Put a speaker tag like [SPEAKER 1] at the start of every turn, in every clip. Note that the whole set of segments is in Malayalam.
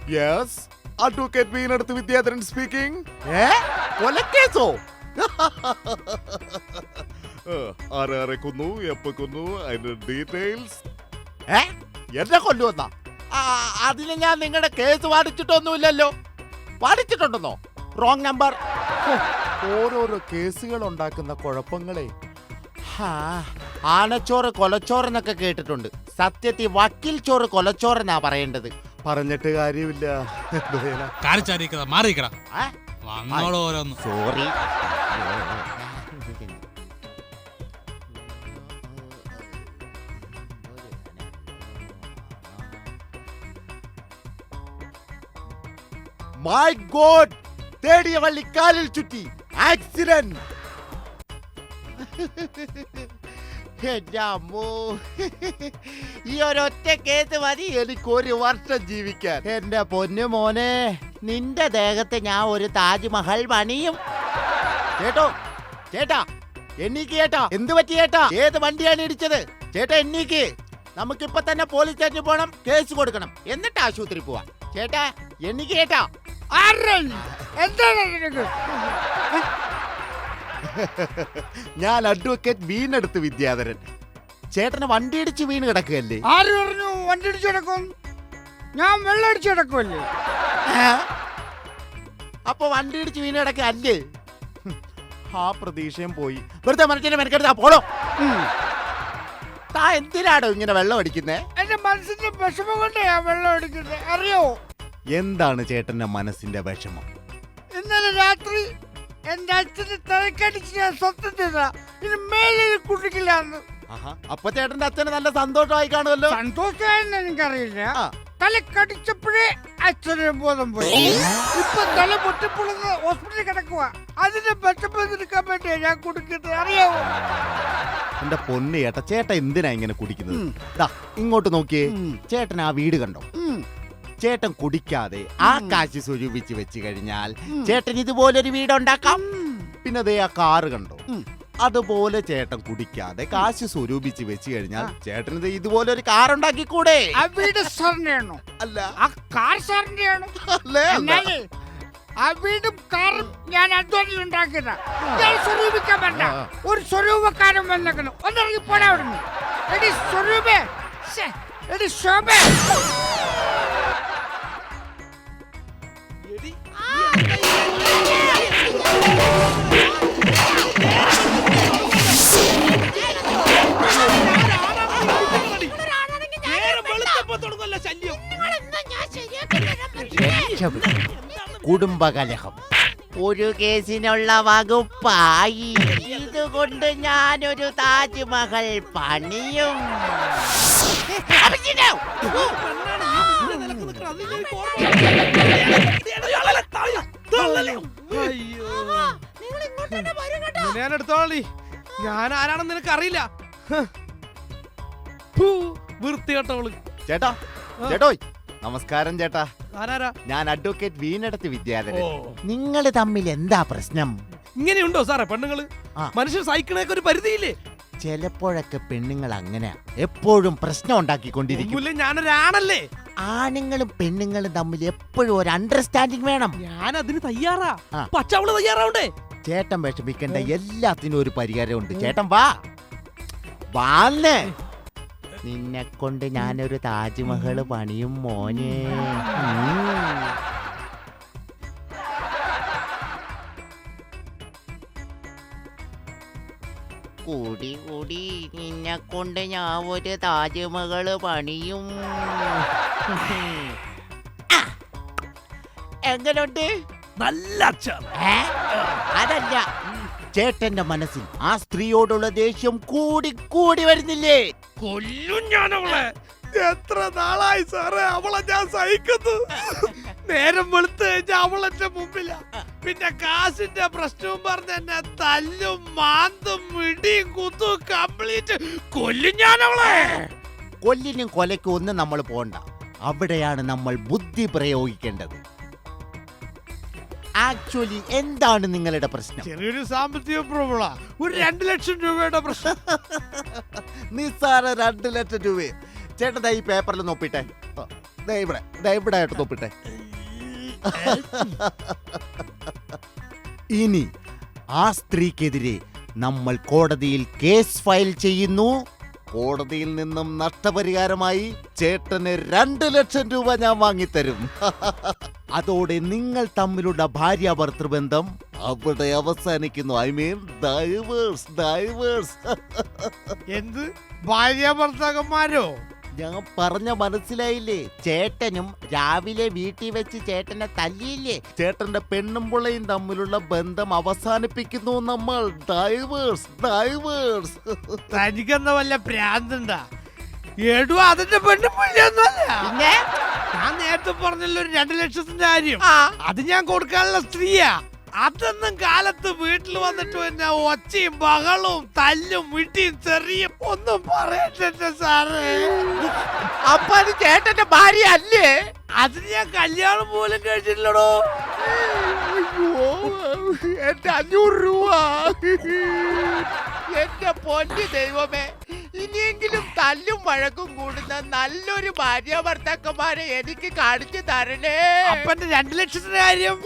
[SPEAKER 1] യെസ്, അഡ്വക്കേറ്റ് വീണടുത്ത് വിദ്യാധരൻ സ്പീക്കിംഗ്. കൊലക്കേസോ? ആരെ കൊന്നു, എപ്പോ കൊന്നു, അതിന്റെ ഡീറ്റെയിൽസ്. എന്നെ കൊല്ലുവന്നാ? അതിന് ഞാൻ നിങ്ങളുടെ കേസ് വാദിച്ചിട്ടൊന്നുമില്ലല്ലോ. വാദിച്ചിട്ടുണ്ടെന്നോ? Wrong number. ഓരോരോ കേസുകൾ ഉണ്ടാക്കുന്ന കുഴപ്പങ്ങളെ. ആനച്ചോറ് കൊലച്ചോറെന്നൊക്കെ കേട്ടിട്ടുണ്ട്. സത്യത്തിൽ വക്കീൽ ചോറ് കൊലച്ചോറെന്നാ പറയേണ്ടത്. പറഞ്ഞിട്ട് കാര്യമില്ല. സോറി. മൈ ഗോഡ്, തേടിയ വള്ളി കാലിൽ ചുറ്റി. ആക്സിഡന്റ്. എന്റെ അമ്മോ, ഈ ഒരൊറ്റ കേസ് മതി എനിക്ക് 1 വർഷം ജീവിക്കാൻ. എന്റെ പൊന്നു മോനെ, നിന്റെ ദേഹത്ത് ഞാൻ ഒരു താജ്മഹൽ പണിയും. ചേട്ടോ, ചേട്ടാ എണ്ണീക്ക് ചേട്ടാ. എന്ത് പറ്റി ചേട്ടാ? ഏത് വണ്ടിയാണ് ഇടിച്ചത്? ചേട്ടാ എണ്ണീക്ക്. നമുക്കിപ്പൊ തന്നെ പോലീസ് സ്റ്റേഷനിൽ പോകണം, കേസ് കൊടുക്കണം, എന്നിട്ട് ആശുപത്രി പോവാം. ചേട്ടാ എണ്ണീക്ക് ചേട്ടാ. ഞാൻ അഡ്വക്കേറ്റ് വീണെടുത്ത് വിദ്യാധരൻ. ചേട്ടന് വണ്ടി ഇടിച്ച് വീണ് കിടക്കുകയല്ലേ?
[SPEAKER 2] ആര് പറഞ്ഞു വണ്ടി ഇടിച്ചു കിടക്കും? ഞാൻ വെള്ളം അടിച്ചു കിടക്കുമല്ലേ?
[SPEAKER 1] അപ്പൊ വണ്ടി ഇടിച്ച് വീണ് കിടക്കല്ലേ? ആ പ്രതീക്ഷയും പോയി. വെറുതെ മനസ്സിനെ മെനക്കെടുത്താ പോളോ. താ എന്തിനാടോ ഇങ്ങനെ വെള്ളം അടിക്കുന്നേ?
[SPEAKER 2] എന്റെ മനസ്സിന്റെ വിഷമം കൊണ്ട് ഞാൻ വെള്ളം അടിക്കുന്നത്, അറിയോ?
[SPEAKER 1] എന്താണ് ചേട്ടന്റെ മനസ്സിന്റെ വിഷമം?
[SPEAKER 2] ഇന്നലെ രാത്രി എന്റെ അച്ഛന് തലക്കടിച്ച് ഞാൻ സ്വന്തം ചെയ്താ ഇനി മേലെ കുടിക്കില്ലാന്ന്.
[SPEAKER 1] അപ്പൊ ചേട്ടന്റെ അച്ഛന് നല്ല സന്തോഷമായി കാണുമല്ലോ.
[SPEAKER 2] സന്തോഷമായെന്ന് എനിക്കറിയില്ല. തലക്കടിച്ചപ്പോഴേ അച്ഛന് ബോധം പോയി. ഇപ്പൊ തല പൊട്ടിപ്പൊളുന്ന ഹോസ്പിറ്റലിൽ കിടക്കുക. അതിന്റെ വിഷമം വേണ്ടിയാ ഞാൻ കുടിക്കുന്നത്, അറിയാവോ?
[SPEAKER 1] എന്റെ പൊന്ന് ചേട്ടാ, ചേട്ടൻ എന്തിനാ ഇങ്ങനെ കുടിക്കുന്നത്? ഇങ്ങോട്ട് നോക്കിയേ. ചേട്ടൻ ആ വീട് കണ്ടോ? ചേട്ടൻ കുടിക്കാതെ ആ കാശ് സ്വരൂപിച്ച് വെച്ച് കഴിഞ്ഞാൽ ചേട്ടൻ ഇതുപോലൊരു വീടുണ്ടാക്കാം. പിന്നെ അതേ ആ കാറ് കണ്ടോ? അതുപോലെ ചേട്ടൻ കുടിക്കാതെ കാശ് സ്വരൂപിച്ച് വെച്ച് കഴിഞ്ഞാൽ ചേട്ടന് ഇതുപോലൊരു കാർ ഉണ്ടാക്കിക്കൂടെ?
[SPEAKER 2] ആ വീട് സാറിന്റെയാണോ?
[SPEAKER 1] അല്ല,
[SPEAKER 2] ആ കാർ സാറിന്റെയാണോ? ആ വീടും കാറും ഞാൻ അധ്വാനം ഉണ്ടാക്കിയതാ. ഞാൻ സ്വരൂപിക്കാൻ വേണ്ട. ഒരു സ്വരൂപക്കാരൻ വന്നേക്കുന്നു. ഒന്നിറങ്ങി പോടാ അവിടുന്ന്. എടി സ്വരൂപേ, എടി ശോഭേ.
[SPEAKER 1] കുടുംബകലഹം ഒരു കേസിനുള്ള വകുപ്പായി. ഇതുകൊണ്ട് ഞാനൊരു താജ്മഹൽ പണിയും.
[SPEAKER 3] ഞാൻ ആരാണെന്ന് നിനക്ക് അറിയില്ല. വൃത്തികെട്ടവള്.
[SPEAKER 1] ചേട്ടാ, ചേട്ടോയ് നമസ്കാരം ചേട്ടാ.
[SPEAKER 3] ആരാ?
[SPEAKER 1] ഞാൻ അഡ്വക്കേറ്റ് വീണെടുത്ത് വിദ്യാധരൻ. നിങ്ങൾ തമ്മിൽ എന്താ പ്രശ്നം?
[SPEAKER 3] ഇങ്ങനെയുണ്ടോ സാറേ പെണ്ണുങ്ങള്? മനുഷ്യർ സഹിക്കണേക്ക് ഒരു പരിധിയില്ലേ?
[SPEAKER 1] ചിലപ്പോഴൊക്കെ പെണ്ണുങ്ങൾ അങ്ങനെ എപ്പോഴും പ്രശ്നം ഉണ്ടാക്കിക്കൊണ്ടിരിക്കും.
[SPEAKER 3] ഞാനൊരാണല്ലേ.
[SPEAKER 1] ആണുങ്ങളും പെണ്ണുങ്ങളും തമ്മിൽ എപ്പോഴും ഒരു അണ്ടർസ്റ്റാൻഡിങ് വേണം.
[SPEAKER 3] ഞാൻ അതിന് തയ്യാറാ. പക്ഷെ അവള് തയ്യാറാവണ്ടേ?
[SPEAKER 1] ചേട്ടൻ വിഷമിക്കേണ്ട, എല്ലാത്തിനും ഒരു പരിഹാരമുണ്ട്. ചേട്ടൻ വാ വാന്നേ. നിന്നെ കൊണ്ട് ഞാനൊരു താജ്മഹൽ പണിയും മോനെ. കൂടി കൂടി നിന്നെ കൊണ്ട് ഞാൻ ഒരു താജ്മഹൽ പണിയും. എങ്ങനുണ്ട്?
[SPEAKER 3] നല്ല
[SPEAKER 1] അതല്ല, ചേട്ടന്റെ മനസ്സിൽ ആ സ്ത്രീയോടുള്ള ദേഷ്യം കൂടി കൂടി വരുന്നില്ലേ?
[SPEAKER 3] കൊല്ലും ഞാൻ അവളെ. എത്ര നാളായി സാറേ അവളെ ഞാൻ സഹിക്കുന്നു. നേരം വെളുത്ത് കഴിഞ്ഞാൽ അവളെന്റെ മുമ്പില. പിന്നെ കാശിന്റെ പ്രശ്നവും പറഞ്ഞ് എന്നെ തല്ലും മാന്തും ഇടിയും കുത്തും കംപ്ലീറ്റ്. കൊല്ലും ഞാൻ അവളെ.
[SPEAKER 1] കൊല്ലിനും കൊലയ്ക്കും ഒന്നും നമ്മൾ പോണ്ട. അവിടെയാണ് നമ്മൾ ബുദ്ധി പ്രയോഗിക്കേണ്ടത്. ആക്ച്വലി എന്താണ് നിങ്ങളുടെ പ്രശ്നം?
[SPEAKER 3] ചെറിയൊരു സാമ്പത്തിക പ്രോബ്ലമാ. ഒരു 2 ലക്ഷം രൂപയുടെ പ്രശ്നം.
[SPEAKER 1] നിസ്സാര 2 ലക്ഷം രൂപ. ചേട്ടൻ ഈ പേപ്പറിൽ നോപ്പിട്ടെ. ഇവിടെ ആയിട്ട് നോപ്പിട്ടെ. ഇനി ആ സ്ത്രീക്കെതിരെ നമ്മൾ കോടതിയിൽ കേസ് ഫയൽ ചെയ്യുന്നു. കോടതിയിൽ നിന്നും നഷ്ടപരിഹാരമായി ചേട്ടന് 2 ലക്ഷം രൂപ ഞാൻ വാങ്ങിത്തരും. അതോടെ നിങ്ങൾ തമ്മിലുള്ള ഭാര്യ ഭർത്തൃബന്ധം അവിടെ അവസാനിക്കുന്നു. I mean divorce.
[SPEAKER 3] എന്ത് ഭാര്യ ഭർത്താക്കന്മാരോ?
[SPEAKER 1] ഞാൻ പറഞ്ഞ മനസ്സിലായില്ലേ? ചേട്ടനും രാവിലെ വീട്ടിൽ വെച്ച് ചേട്ടനെ തല്ലിയില്ലേ? ചേട്ടന്റെ പെണ്ണും പിള്ളയും തമ്മിലുള്ള ബന്ധം അവസാനിപ്പിക്കുന്നു നമ്മൾ. ഡൈവേഴ്സ്.
[SPEAKER 3] തനിക്കെന്ന വല്ല പ്രാന്തണ്ടാ? എടു അതിന്റെ പെണ്ണുപിള്ളയൊന്നുമല്ല.
[SPEAKER 1] പിന്നെ
[SPEAKER 3] ഞാൻ നേരത്തെ പറഞ്ഞല്ലോ ഒരു 2 ലക്ഷത്തിന്റെ കാര്യം. അത് ഞാൻ കൊടുക്കാനുള്ള സ്ത്രീയാ. അതൊന്നും കാലത്ത് വീട്ടിൽ വന്നിട്ട് പിന്നെ ഒച്ചയും ബഹളവും തല്ലും വിട്ടിയും ചെറിയും ഒന്നും പറയട്ടെ സാറേ.
[SPEAKER 1] അപ്പൊ അത് ചേട്ടന്റെ ഭാര്യ അല്ലേ?
[SPEAKER 3] അതിന് ഞാൻ കല്യാണം പോലും കഴിച്ചിട്ടില്ലടോ.
[SPEAKER 1] എന്റെ 500 രൂപ. എന്റെ പൊന്നു ദൈവമേ, ഇനിയെങ്കിലും തല്ലും വഴക്കും കൂടുന്ന നല്ലൊരു ഭാര്യ ഭർത്താക്കന്മാരെ എനിക്ക് കാണിച്ചു തരണേ.
[SPEAKER 3] അപ്പന്റെ 2 ലക്ഷത്തിന്റെ കാര്യം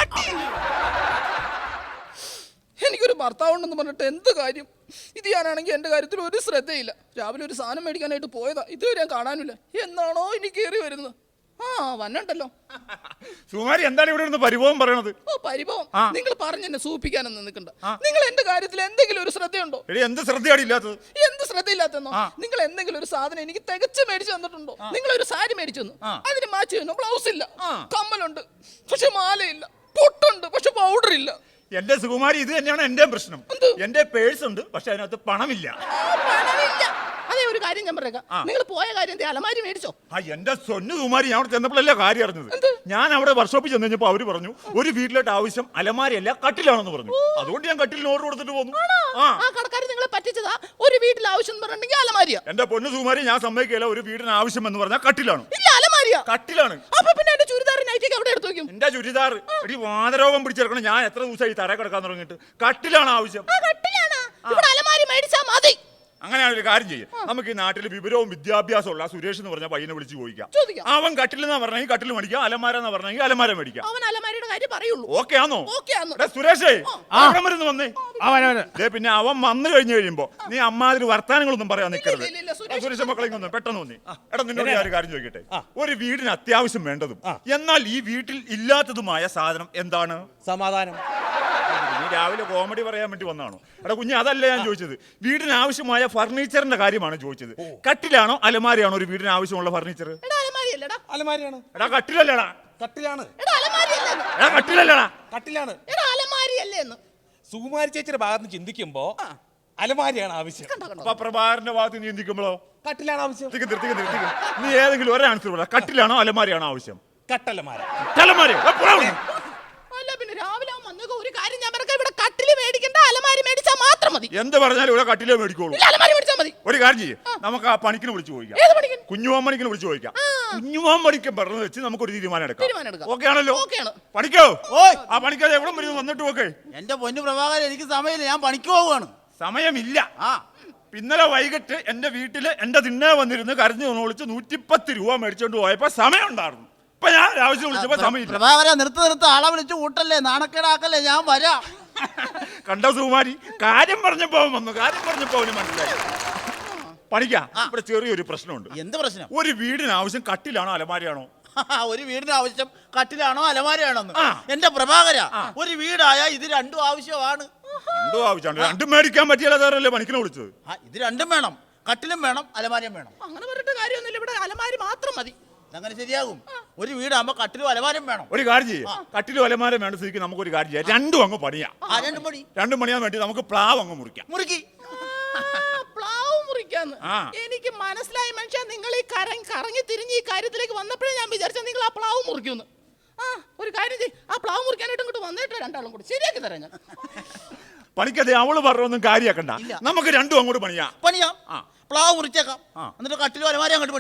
[SPEAKER 4] എനിക്കൊരു ഭർത്താവുണ്ടെന്ന് പറഞ്ഞിട്ട് എന്ത് കാര്യം? ഇത് ഞാനാണെങ്കിൽ എൻ്റെ കാര്യത്തിൽ ഒരു ശ്രദ്ധയില്ല. രാവിലെ ഒരു സാധനം മേടിക്കാനായിട്ട് പോയതാ, ഇതുവരെ ഞാൻ കാണാനില്ല. എന്നാണോ ഇനി കയറി വരുന്നത്? വന്നണ്ടല്ലോ.
[SPEAKER 5] സുമാരി എന്താണ് ഇവിടെ ഇരുന്ന് പരിഭവം പറയണത്?
[SPEAKER 4] പരിഭവം നിങ്ങൾ പറഞ്ഞെന്നെ സൂപ്പിക്കാനൊന്നും നിൽക്കണ്ട. നിങ്ങൾ എന്റെ കാര്യത്തിൽ എന്തെങ്കിലും ഒരു ശ്രദ്ധയുണ്ടോ?
[SPEAKER 5] എന്ത് ശ്രദ്ധയാണ് ഇല്ലാത്തത്?
[SPEAKER 4] എന്ത് ശ്രദ്ധയില്ലാത്തെന്നോ? നിങ്ങൾ എന്തെങ്കിലും ഒരു സാധനം എനിക്ക് തികച്ച് മേടിച്ചു തന്നിട്ടുണ്ടോ? നിങ്ങൾ ഒരു സാരി മേടിച്ചു തന്നു, അതിന് മാച്ച് ചെയ്യുന്നു. ബ്ലൗസ് ഇല്ല, കമ്മലുണ്ട് പക്ഷെ മാലയില്ല, പൊട്ടുണ്ട് പക്ഷെ പൗഡർ ഇല്ല.
[SPEAKER 5] എന്റെ സുകുമാരി, ഇത് തന്നെയാണ് എന്റെ പ്രശ്നം. എന്റെ പേഴ്സ് ഉണ്ട് പക്ഷെ അതിനകത്ത് പണമില്ല.
[SPEAKER 4] അതേ ഒരു കാര്യം ഞാൻ പറയാം, നിങ്ങൾ പോയ കാര്യം അലമാരി മേടിച്ചോ?
[SPEAKER 5] എന്റെ സ്വന്നു കുമാരി, ഞാൻ അവിടെ ചെന്നപ്പോഴല്ലേ കാര്യം അറിഞ്ഞത്. ഞാൻ അവിടെ വർക്ക്ഷോപ്പിൽ ചെന്ന് കഴിഞ്ഞപ്പോ അവര് പറഞ്ഞു ഒരു വീട്ടിലോട്ട് ആവശ്യം അലമാരിയല്ല കട്ടിലാണെന്ന് പറഞ്ഞു. അതുകൊണ്ട് ഞാൻ കട്ടിലിന് ഓർഡർ കൊടുത്തിട്ട് പോന്നു.
[SPEAKER 4] കടക്കാർ നിങ്ങളെ പറ്റിച്ചതാ. ഒരു വീട്ടിൽ ആവശ്യം എന്ന് പറഞ്ഞിട്ടുണ്ടെങ്കിൽ അലമാരിയാ.
[SPEAKER 5] എന്റെ പൊന്നു കുമാരി, ഞാൻ സമ്മതിക്കില്ല. ഒരു വീടിന് ആവശ്യം എന്ന് പറഞ്ഞാൽ കട്ടിലാണ്.
[SPEAKER 4] അലമാരിയാ?
[SPEAKER 5] കട്ടിലാണ്.
[SPEAKER 4] അപ്പൊ പിന്നെ എന്റെ ചുരിദാർ നൈറ്റിക്ക് അവിടെ എടുത്തു വെക്കും.
[SPEAKER 5] എന്റെ ചുരിദാർ എടി വാതരോഗം പിടിച്ചെടുക്കണം. ഞാൻ എത്ര ദിവസമായി തറ കിടക്കാൻ തുടങ്ങിയിട്ട്. കട്ടിലാണ് ആവശ്യം.
[SPEAKER 4] അലമാരി മേടിച്ചാ മതി.
[SPEAKER 5] അങ്ങനെയാണ് ഒരു കാര്യം ചെയ്യാം. നമുക്ക് ഈ നാട്ടിൽ വിവരവും വിദ്യാഭ്യാസവും ഉള്ള സുരേഷ് എന്ന് പറഞ്ഞ പയ്യനെ വിളിച്ച് ചോദിക്കാം. അവൻ കട്ടിലെന്നാ പറഞ്ഞെങ്കിൽ കട്ടിൽ മേടിക്കാം, അലമാര എന്ന് പറഞ്ഞെങ്കിൽ അലമാര മേടിക്കാം.
[SPEAKER 4] അവൻ അലമാരയുടെ കാര്യം പറയുള്ളൂ.
[SPEAKER 5] ഓക്കെ ആണോ? സുരേഷേ മരുന്ന് വന്നേ. പിന്നെ അവൻ വന്നു കഴിയുമ്പോ നീ അമ്മാതിരി വർത്താനങ്ങളൊന്നും പറയാൻ നിൽക്കരുത്. സുരേഷ് മക്കളെ ഒന്ന് പെട്ടെന്ന് വന്നേ. എടാ, നിന്നോട് ഞാൻ ഒരു കാര്യം ചോദിക്കട്ടെ. ഒരു വീടിന് അത്യാവശ്യം വേണ്ടതും എന്നാൽ ഈ വീട്ടിൽ ഇല്ലാത്തതുമായ സാധനം എന്താണ്?
[SPEAKER 6] സമാധാനം.
[SPEAKER 5] നീ രാവിലെ കോമഡി പറയാൻ വേണ്ടി വന്നാണോ? എടാ കുഞ്ഞ്, അതല്ല ഞാൻ ചോദിച്ചത്. വീടിന് ആവശ്യമായ ഫർണിച്ചറിന്റെ കാര്യമാണ് ചോദിച്ചത്. കട്ടിലാണോ അലമാരിയാണോ ഒരു വീടിന് ആവശ്യമുള്ള ഫർണിച്ചർ?
[SPEAKER 6] അലമാരിയാണ്.
[SPEAKER 5] എടാ കട്ടിലല്ലടാ.
[SPEAKER 6] കട്ടിലാണ്.
[SPEAKER 5] എടാ കട്ടിലല്ലടാ.
[SPEAKER 6] കട്ടിലാണ്. സുകുമാരി ചേച്ചിയുടെ ഭാഗത്ത് നിന്ന് ചിന്തിക്കുമ്പോ അലമാരിയാണ് ആവശ്യം.
[SPEAKER 5] അപ്പൊ പ്രഭാകരന്റെ ഭാഗത്ത് നീ ചിന്തിക്കുമ്പോഴോ
[SPEAKER 6] കട്ടിലാണ് ആവശ്യം.
[SPEAKER 5] നീ ഏതെങ്കിലും ഒരു ആൻസർ പറ. കട്ടിലാണോ അലമാരിയാണോ ആവശ്യം?
[SPEAKER 6] കട്ടലമാര.
[SPEAKER 4] പിന്നെ രാവിലെ ഒരു കാര്യം ഞാൻ പറയാം, ഇവിടെ കട്ടില് മേടിക്കണ്ട, അലമാരി മേടിച്ചാൽ മാത്രം മതി.
[SPEAKER 5] എന്ത് പറഞ്ഞാലും ഇവിടെ കട്ടിലേ മേടിക്കോളൂ.
[SPEAKER 4] അലമാരി മേടിച്ചാൽ മതി.
[SPEAKER 5] ഒരു കാര്യം ചെയ്യും, നമുക്ക് ആ പണിക്കിന് വിളിച്ചു ചോദിക്കാം. കുഞ്ഞുമാമണിക്കിന് വിളിച്ചു ചോദിക്കാം. കുഞ്ഞുമാമണിക്ക് പറഞ്ഞു വെച്ച് നമുക്കൊരു തീരുമാനം എടുക്കാം. ഓക്കെ ആണല്ലോ? പണിക്കോ? ആ പണിക്കാതെ എവിടെ വരും വന്നിട്ട് ഓക്കെ.
[SPEAKER 1] എന്റെ പൊന്നു പ്രഭാകരൻ, എനിക്ക് സമയമില്ല, ഞാൻ പണിക്ക് പോവുകയാണ്.
[SPEAKER 5] സമയമില്ല. ഇന്നലെ വൈകിട്ട് എന്റെ വീട്ടില് എന്റെ തിണ്ണേ വന്നിരുന്ന് കരഞ്ഞു വിളിച്ച് 110 രൂപ മേടിച്ചോണ്ട് പോയപ്പോ സമയം ഉണ്ടായിരുന്നു. ഇപ്പൊ ഞാൻ ആവശ്യം വിളിച്ചപ്പോ സമയമില്ല.
[SPEAKER 1] പ്രഭാകരൻ, നിർത്ത് ആളെ വിളിച്ച് കൂട്ടല്ലേ, നാണക്കേടാക്കല്ലേ, ഞാൻ വരാം.
[SPEAKER 5] കണ്ടോ സുകുമാരി, കാര്യം പറഞ്ഞപ്പോ വന്നു. കാര്യം പറഞ്ഞപ്പോ അവന് മനസ്സിലായി. പണിക്കാ, ഇവിടെ ചെറിയൊരു പ്രശ്നമുണ്ട്.
[SPEAKER 1] എന്ത് പ്രശ്നം?
[SPEAKER 5] ഒരു വീടിന് ആവശ്യം കട്ടിലാണോ അലമാരിയാണോ?
[SPEAKER 1] ഒരു വീടിന് ആവശ്യം കട്ടിലാണോ അലമാരിയാണോ? എന്റെ പ്രഭാകര, ഒരു വീടായ ഇത് രണ്ടും ആവശ്യമാണ്.
[SPEAKER 5] രണ്ടും ആവശ്യമാണ്. രണ്ടും മേടിക്കാൻ പറ്റിയാലേ പണിക്കിനെ വിളിച്ചത്.
[SPEAKER 1] ഇത് രണ്ടും വേണം, കട്ടിലും വേണം അലമാരിയും വേണം.
[SPEAKER 4] അങ്ങനെ പറഞ്ഞിട്ട് കാര്യമൊന്നുമില്ല, ഇവിടെ അലമാരി മാത്രം മതി.
[SPEAKER 1] അങ്ങനെ ശരിയാകും. ഒരു വീടാകുമ്പോ കട്ടിലും അലമാരം വേണം.
[SPEAKER 5] ഒരു കാര്യം ചെയ്യും, കട്ടിലും അലമാരം വേണ്ട സ്ഥിതിക്ക് നമുക്കൊരു കാര്യം ചെയ്യാം. രണ്ടും അങ്ങ് പണിയാം. രണ്ടും പണിയാൻ വേണ്ടി നമുക്ക് പ്ലാവ് അങ്ങ് മുറിക്കാം.
[SPEAKER 4] പ്ലാവ് മുറിക്കാന്ന് എനിക്ക് മനസ്സിലായി. മനുഷ്യ, നിങ്ങൾ ഈ കറങ്ങി തിരിഞ്ഞ് ഈ കാര്യത്തിലേക്ക് വന്നപ്പോഴേ ഞാൻ വിചാരിച്ച നിങ്ങൾ ആ പ്ലാവ് മുറിക്കുന്നു. ഒരു കാര്യം ചെയ്യും, ആ പ്ലാവ് മുറിക്കാനായിട്ട് ഇങ്ങോട്ട് വന്നിട്ട് രണ്ടാളും കൂടി ശരിയാക്കി തരാം ഞാൻ.
[SPEAKER 5] പണിക്കതെ അവള് പറഞ്ഞൊന്നും കാര്യാക്കണ്ട, നമുക്ക് രണ്ടും അങ്ങോട്ട് പണിയാം.
[SPEAKER 1] പ്ലാവ് മുറിച്ചേക്കാം, എന്നിട്ട് കട്ടിലും അലമാരി അങ്ങോട്ട് പണിയാം.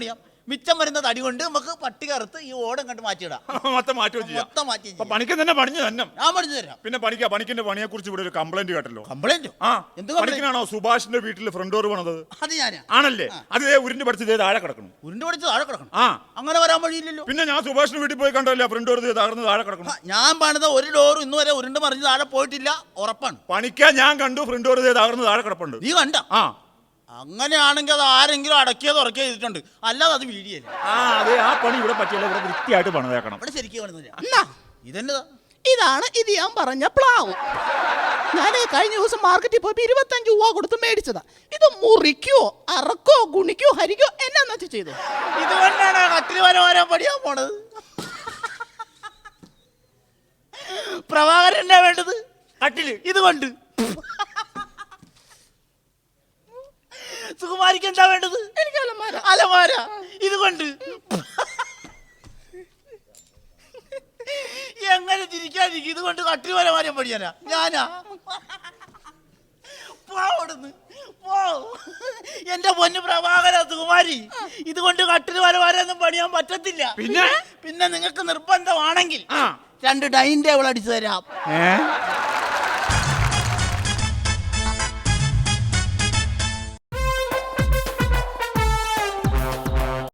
[SPEAKER 1] മിച്ചം വരുന്ന തടി കൊണ്ട് നമുക്ക് പട്ടി കറുത്ത് ഈ ഓടം കണ്ട് മാറ്റിയിടാം.
[SPEAKER 5] മൊത്തം മാറ്റുകയും ചെയ്യാം.
[SPEAKER 1] മൊത്തം മാറ്റി
[SPEAKER 5] അപ്പൊ പണിക്ക് തന്നെ പണിഞ്ഞു തന്നെ.
[SPEAKER 1] ഞാൻ പഠിച്ചു തരാം.
[SPEAKER 5] പിന്നെ പണിക്കിന്റെ പണിയെ കുറിച്ച് ഇവിടെ ഒരു കംപ്ലൈന്റ് കേട്ടല്ലോ.
[SPEAKER 1] കംപ്ലൈന്റ്?
[SPEAKER 5] ആ,
[SPEAKER 1] എന്ത്
[SPEAKER 5] പണിക്കിനാണോ സുഭാഷിന്റെ വീട്ടിൽ ഫ്രണ്ട് ഡോർ പണിത്?
[SPEAKER 1] അത് ഞാനാ.
[SPEAKER 5] ആണല്ലേ? അത് ഉരുണ്ട് പഠിച്ചത് താഴെ കിടക്കണം.
[SPEAKER 1] ഉരുണ്ട് പഠിച്ച് താഴെ കിടക്കണം?
[SPEAKER 5] ആ,
[SPEAKER 1] അങ്ങനെ വരാൻ വഴിയില്ലല്ലോ.
[SPEAKER 5] പിന്നെ ഞാൻ സുഭാഷിന്റെ വീട്ടിൽ പോയി കണ്ടല്ലേ ഫ്രണ്ട് ഡോർ തകർന്ന് താഴെ കിടക്കണം.
[SPEAKER 1] ഞാൻ പണിത ഒരു ഡോറും ഇന്ന് വരെ ഉരുണ്ട് മറിഞ്ഞ് താഴെ പോയിട്ടില്ല, ഉറപ്പാണ്.
[SPEAKER 5] പണിക്കാൻ ഞാൻ കണ്ടു ഫ്രണ്ട് ഡോർ തകർന്ന് താഴെ കിടപ്പുണ്ട്.
[SPEAKER 1] നീ കണ്ട?
[SPEAKER 5] ആ,
[SPEAKER 1] അങ്ങനെയാണെങ്കിൽ അത് ആരെങ്കിലും അടക്കിയത് ഉറക്കിയോ ചെയ്തിട്ടുണ്ട്, അല്ലാതെ അത് വീഡിയല്ല.
[SPEAKER 5] ആ, അതെ, ആ പണി ഇവിടെ പറ്റില്ല. ഇവിടെ വൃത്തിയായിട്ട് പണിതേക്കണം.
[SPEAKER 1] ഇവിടെ ശരിക്കും പണിതില്ല.
[SPEAKER 4] എന്നാ
[SPEAKER 1] ഇതെന്നതാ?
[SPEAKER 4] ഇതാണ് ഇത് ഞാൻ പറഞ്ഞ പ്ലാവ്. ഞാൻ കഴിഞ്ഞ ദിവസം മാർക്കറ്റിൽ പോയപ്പോ 25 രൂപ കൊടുത്ത് മേടിച്ചതാ. ഇത് മുറിക്കോ അറക്കോ ഗുണിക്കോ ഹരിക്കോ എന്നാന്ന് വെച്ചാൽ ചെയ്തു.
[SPEAKER 1] ഇതുകൊണ്ടാണ് കട്ടിൽ വരാൻ പഠിയാൻ പോണത്. പ്രഭാകരൻ എന്നാ വേണ്ടത്? കട്ടില്. ഇതുകൊണ്ട്. സുകുമാരിക്ക് എന്താ വേണ്ടത്?
[SPEAKER 4] എനിക്ക് അലമാര.
[SPEAKER 1] അലമാര. ഇതുകൊണ്ട്. എങ്ങനെ ചിരിക്കാതിരിക്കും? ഇതുകൊണ്ട് കട്ടിൽ വരാൻ പഠിയാനാ ഞാനാ? പോടുന്ന് പോ. എന്റെ പൊന്നു പ്രഭാകര, സുകുമാരി, ഇതുകൊണ്ട് കട്ടിൽ വരാനൊന്നും പണിയാൻ പറ്റത്തില്ല.
[SPEAKER 5] പിന്നെ
[SPEAKER 1] നിങ്ങൾക്ക് നിർബന്ധമാണെങ്കിൽ 2 ഡൈനിങ് ടേബിൾ അടിച്ചു തരാം.